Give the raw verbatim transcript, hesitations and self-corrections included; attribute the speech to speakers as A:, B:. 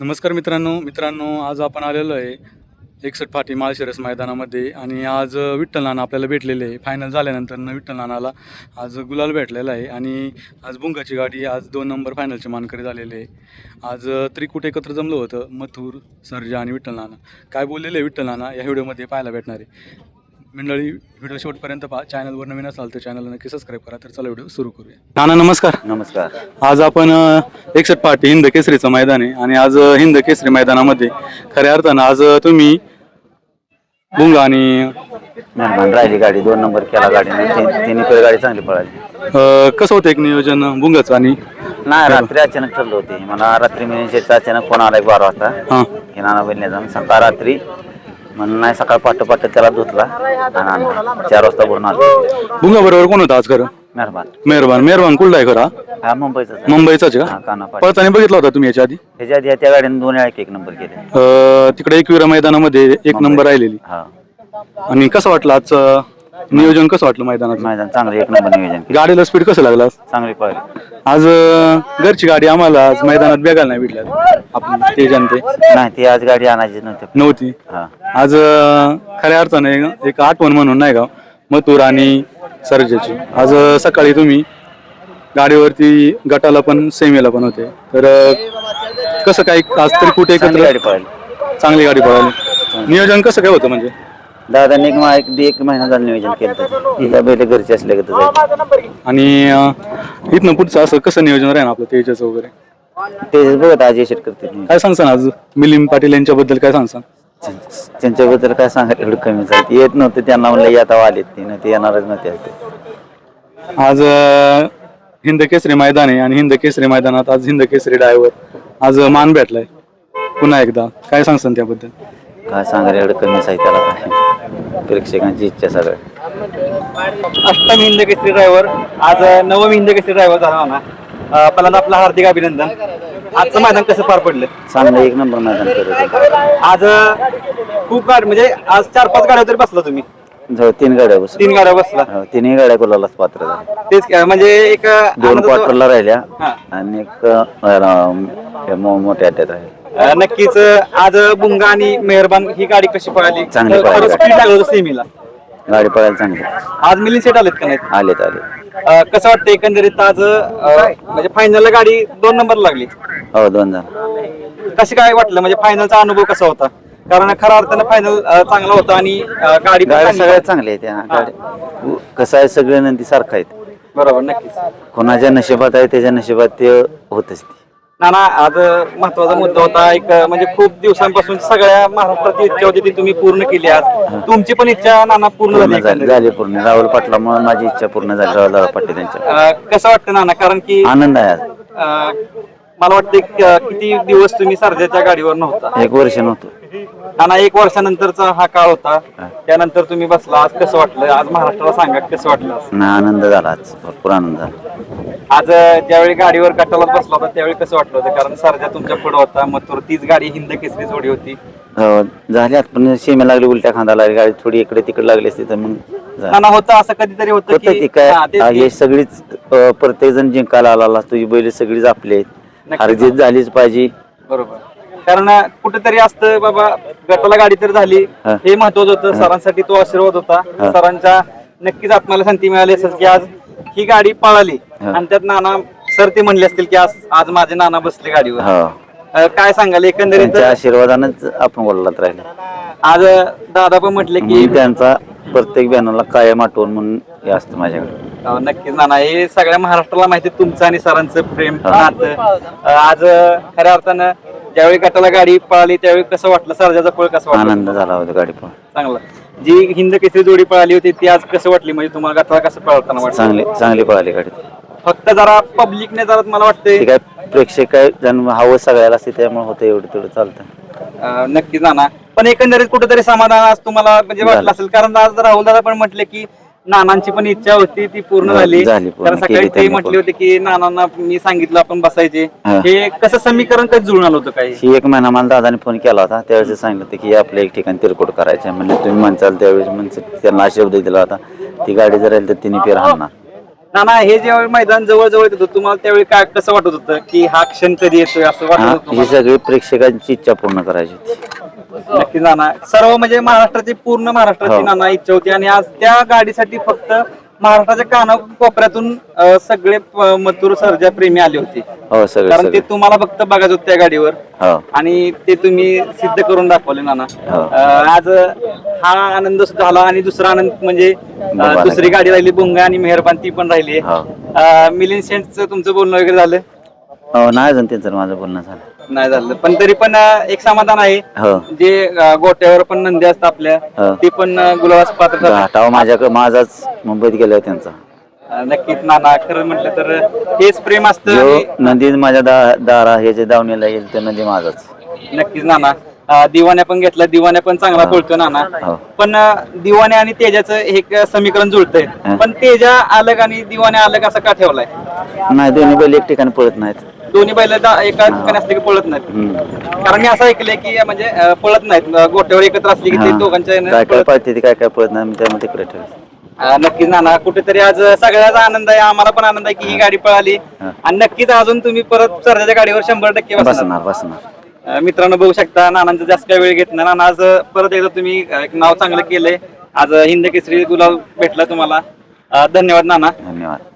A: नमस्कार मित्रांनो मित्रांनो आज आपण आलेलो आहे एकसठ फाटी माळशिरस मैदानामध्ये आणि आज विठ्ठल नाना आपल्याला भेटलेले आहे. फायनल झाल्यानंतर विठ्ठल नानाला आज गुलाल भेटलेला आहे आणि आज बुंगाची गाडी आज दोन नंबर फायनलचे मानकरी झालेले आहे. आज त्रिकूट एकत्र जमलं होतं, मथुर, सर्जा आणि विठ्ठल नाना. काय बोललेले आहे विठ्ठल नाना या व्हिडिओमध्ये पाहायला भेटणार आहे. मंडळी व्हिडिओ शेवटपर्यंत पहा. चॅनलवर नवीन असाल तर चॅनलला नक्की सबस्क्राईब करा. तर चला व्हिडिओ सुरू करूया. नाना नमस्कार.
B: नमस्कार.
A: आज आपण एकसठ फाटी हिंद केसरीचं मैदान आहे आणि आज हिंद केसरी मैदानामध्ये खऱ्या अर्थानं आज तुम्ही बुंगा आणि
B: मेहरबान राहिली गाडी, दोन नंबर केला गाडीने, तिन्ही पण गाडी चांगली पळाली.
A: कसं होतं एक नियोजन बुंगाचं? आणि
B: नाही, रात्री अचानक ठरलं होते. मला रात्री मिनिशेचा अचानक फोन आला एक बारा वाजता
A: हां
B: हे नाना बहिणीचा. सकाळ रात्री म्हणून नाही, सकाळ पाठ पाठ त्याला धुतला आणि आणला. चार वाजता भरून आलो.
A: बुंगा बरोबर कोण होता आज खरं?
B: मेहरबान.
A: मेहरबान मेहरबान कुठला आहे खरा?
B: हा मुंबईचा.
A: मुंबईचाच का?
B: कानापाड.
A: पळताना बघितला होता तुम्ही याच्या आधी?
B: ह्याच्या आधी त्या गाडीने दोन वेळा एक नंबर केले.
A: तिकडे एकविरा मैदानामध्ये एक नंबर राहिलेली.
B: हा.
A: आणि कसं वाटलं आजचं नियोजन? कसं वाटलं मैदानाचं?
B: मैदान चांगलं, एक नंबर नियोजन केलं.
A: गाडीला स्पीड कसं लागला?
B: चांगली पळाली.
A: आज घरची गाडी आम्हाला आज मैदानात बघायला नाही भेटल्या आपण ते जनते
B: नाही, ती आज गाडी आणायची नव्हती
A: नव्हती.
B: हा.
A: आज खऱ्या अर्थाने एक आठवण म्हणून नाही का मथुर आणि सर्जाची. आज सकाळी तुम्ही गाडीवरती गटाला पण सेमीला पण होते, तर कसं काय आज तरी कुठे
B: चांगली गाडी पळाली.
A: चांगली गाडी पळाली. नियोजन कसं काय होतं म्हणजे?
B: दादाने एक मा- एक एक महिना झालं नियोजन केलं होतं. बैल घरचे असले का तुझं.
A: आणि इथनं पुढचं असं कसं नियोजन राहील आपलं तेजाचं वगैरे?
B: ते बघत आज यशट करते.
A: काय सांगसान आज मिलिंद पाटील यांच्याबद्दल काय सांगसान?
B: त्यांच्याबद्दल काय सांगायला एवढं कमी झालं. येत नव्हते त्यांना म्हणलं आता आलेत, ते नाही ते येणारच नव्हते आज.
A: आज हिंद केसरी मैदान आहे आणि हिंद केसरी मैदानात आज हिंद केसरी ड्रायव्हर आज मान भेटलाय पुन्हा एकदा. काय सांगसान त्याबद्दल?
B: काय सांगायला एवढं कमी आहे त्याला. काय प्रेक्षकांची इच्छा सगळं.
C: अष्टम हिंद केसरी ड्रायव्हर आज नवम हिंद केसरी ड्रायव्हर झाला ना. पहिल्यांदा आपलं हार्दिक अभिनंदन. आजचं मैदान कसं पार पडलं?
B: चांगलं एक नंबर मैदान करत.
C: आज खूप गाडी म्हणजे आज चार पाच गाड्या तरी बसला तुम्ही?
B: जवळ तीन गाड्या बस
C: तीन गाड्या बसला.
B: तिन्ही गाड्या कोलालाच पात्र झाल्या.
C: तेच काय, म्हणजे एक
B: दोन क्वार्टरला राहिल्या
C: हा.
B: आणि एक अं, मो- मोठ्या अड्ड्यात राहिल्या.
C: अं, नक्कीच आज बुंगा आणि मेहरबान ही गाडी कशी पळाली?
B: चांगली पळाली गाडी.
C: स्पीड लागलं होतं सेमीला.
B: गाडी पळायला चांगली.
C: आज मिलिंद सेट आलेत का नाहीत?
B: आलेत आले.
C: अं, कसं वाटतं एकंदरीत आज अं, म्हणजे फायनलला गाडी दोन नंबर लागली?
B: हो, दोन जण.
C: कशी काय वाटलं, म्हणजे फायनलचा अनुभव कसा होता? कारण खऱ्या अर्थानं फायनल चांगला होता आणि अं, गाडी पण
B: गाड्या
C: चांगली
B: सगळ्यात चांगल्या आहेत. त्या गाड्या कसं आहे, सगळे नंदी सारखं आहेत.
C: बरोबर, नक्कीच.
B: कोणाच्या नशिबात आहे त्याच्या नशिबात ते होतच. ते
C: नाना आज महत्वाचा मुद्दा होता एक, म्हणजे खूप दिवसांपासून सगळ्या महाराष्ट्राची इच्छा होती ती तुम्ही पूर्ण केली. आज तुमची पण इच्छा नाना पूर्ण
B: पूर्ण
C: झाली
B: झाली झाली पूर्ण. राहुल पाटलामुळे माझी इच्छा पूर्ण झाली. राहुल दादा पाटील त्यांच्या.
C: अं, कसं वाटतं नाना? कारण की
B: आनंद आहे आज.
C: अं, मला वाटतं क- किती दिवस तुम्ही सर्जाच्या गाडीवर नव्हता?
B: एक वर्ष नव्हतं.
C: नाना एक वर्षानंतरचा हा काळ होता, त्यानंतर तुम्ही बसला. आज कसं वाटलं? आज महाराष्ट्राला सांगा कसं वाटलं?
B: ना आनंद झाला आज, भरपूर आनंद झाला.
C: आज ज्यावेळी गाडीवर गटाला बसला होता त्यावेळी कसं वाटलं होतं? कारण सर्जा तुमच्या पुढे होता, मथुर, तीच गाडी हिंद केसरी जोडी होती.
B: हो, झाली आज. पण शेमे लागली, उलट्या खांदा लागली, गाडी थोडी इकडे तिकडे लागली असती तर मग झालं.
C: नाना होतं असं कधीतरी होतं
B: होतं ती
C: की
B: काय,
C: हा, तेच की.
B: हे सगळीच प्रत्येक जण जिंकायला आला. तुझी बैल सगळीच आपले आहेत. हरजीत झालीच पाहिजे.
C: बरोबर. कारण कुठेतरी असतं बाबा गटाला गाडी तर झाली,
B: हा.
C: हे महत्वाचं होतं. सरांसाठी तो आशीर्वाद होता.
B: हा.
C: सरांच्या नक्कीच आत्म्याला शांती मिळाली असेल की आज ही गाडी पळाली
B: हा.
C: आणि त्यात नाना सर ते म्हणले असतील की आज आज माझे नाना बसले गाडीवर.
B: हो,
C: अं, काय सांगाल एकंदरीत?
B: त्यांच्या आशीर्वादानेच आपण बोललात राहिले.
C: आज दादा पण म्हटले की
B: मी त्यांचा प्रत्येक बॅनरला कायम आठवण म्हणून हे असतं माझ्याकडे.
C: अं, नक्कीच नाना, हे सगळ्या महाराष्ट्राला माहिती आहे तुमचं आणि सरांचं प्रेम
B: हा.
C: नातं. अं, आज खऱ्या अर्थानं ज्यावेळी गटाला गाडी पळाली त्यावेळी कसं वाटलं? सर्जाचा पळ कसं वाटलं?
B: आनंद झाला होता गाडी पण.
C: चांगलं. जी हिंद केसरी जोडी पळाली होती ती आज कसं वाटली? म्हणजे तुम्हाला गटाला कसं पळताना वाटलं?
B: चांगली चांगली पळाली गाडी.
C: फक्त जरा पब्लिकने जरा मला वाटतंय
B: ते काय प्रेक्षक काय जण हवं सगळ्याला असते त्यामुळे होतं एवढं तेवढं चालतं.
C: अं, नक्कीच नाना, पण एकंदरीत कुठेतरी समाधान आज तुम्हाला म्हणजे वाटलं असेल. कारण आज राहुल दादा पण म्हटले की नानांची पण इच्छा होती ती पूर्ण झाली.
B: झाली, पूर्ण
C: कारण सकाळी
B: केली
C: ते
B: त्यांनी
C: म्हटले
B: पूर्ण.
C: होते की नानांना मी सांगितलं आपण बसायचे.
B: हा.
C: हे कसं समीकरण कधी जुळून आलं होतं? काही
B: ही एक महिना मला दादाने फोन केला होता. त्यावेळेस सांगितलं होतं की आपल्या एक ठिकाणी तिरकोट करायचं आहे. म्हणजे तुम्ही म्हणसाल त्यावेळेस म्हणजे त्यांना शब्द दिला होता ती गाडी जर राहील तर तिने फेर हाणणार.
C: नाना हे जेव्हा मैदान जवळ जवळ येत होतं तुम्हाला त्यावेळी काय कसं वाटत होतं की हा क्षण कधी येतोय असं वाटत
B: हा
C: होतं
B: ही सगळी प्रेक्षकांची इच्छा पूर्ण करायची होती.
C: नक्की नाना सर्व म्हणजे महाराष्ट्राची पूर्ण महाराष्ट्राची
B: हो.
C: नाना इच्छा होती आणि आज त्या गाडीसाठी फक्त महाराष्ट्राच्या काना कोपऱ्यातून अं, सगळे प- मथुर सर्जा प्रेमी आले होते
B: हो सगळे
C: कारण ते
B: सगळे
C: तुम्हाला फक्त बघायचं होतं त्या गाडीवर
B: हो
C: आणि ते तुम्ही सिद्ध करून दाखवले नाना
B: हो.
C: अं, आज हा आनंद झाला आणि दुसरा आनंद म्हणजे अं,
B: बुंगा
C: दुसरी गाडी राहिली बुंगा आणि मेहरबान ती पण राहिली
B: हो.
C: मिलिंद सेंटचं तुमचं बोलणं वगैरे झालं
B: हो नाही अजून त्यांचं माझं बोलणं झालं
C: नाही झालं पण तरी पण अं, एक समाधान आहे
B: हो
C: जे अं, गोट्यावर पण नंदी असतात आपल्या
B: हो.
C: ते पण अं, गुलाबास पात्र ठरले.
B: घाटाव माझ्याकडे माझाच मुंबईत गेला त्यांचा
C: अं, नक्कीच नाना खरं म्हटलं तर हेच प्रेम असतं
B: जो
C: आणि
B: नंदी माझ्या दा दारा हे जे दावणीला येईल ते नंदी माझाच
C: नक्कीच नाना अं, दिवाण्या पण घेतला दिवाण्या पण चांगला
B: हा.
C: पळतो नाना
B: हो.
C: पण अं, दिवाण्या आणि तेजाचं हे एक समीकरण जुळतंय
B: हा.
C: पण तेजा अलग आणि दिवाण्या अलग असं का ठेवलाय
B: नाही दोन्ही बैल एक ठिकाणी पळत नाहीत
C: दोन्ही बैल एका ठिकाणी असले की पळत नाहीत
B: हम्म.
C: कारण मी असं ऐकलंय की म्हणजे अं, पळत नाहीत अं, गोट्यावर एकत्र असली की ते
B: हा.
C: दोघांच्या यानं
B: काय काय
C: पळत-
B: पळते ते काय काय पळत नाही मी त्यामुळे तिकडे ठेवलं
C: अं, नक्कीच नाना कुठेतरी आज सगळ्याचा आनंद आहे आम्हाला पण आनंद आहे की ही गाडी पळाली
B: हा.
C: आणि नक्कीच अजून तुम्ही परत सरजाच्या गाडीवर शंभर टक्के बसणार
B: बसणार बसणार
C: अं, मित्रांनो बघू शकता नानांचं जास्त काही वेळ घेत नाही नाना आज परत एकदा तुम्ही अं, एक नाव चांगलं केलंय आज हिंद केसरी गुलाल भेटला तुम्हाला अं, धन्यवाद नाना
B: धन्यवाद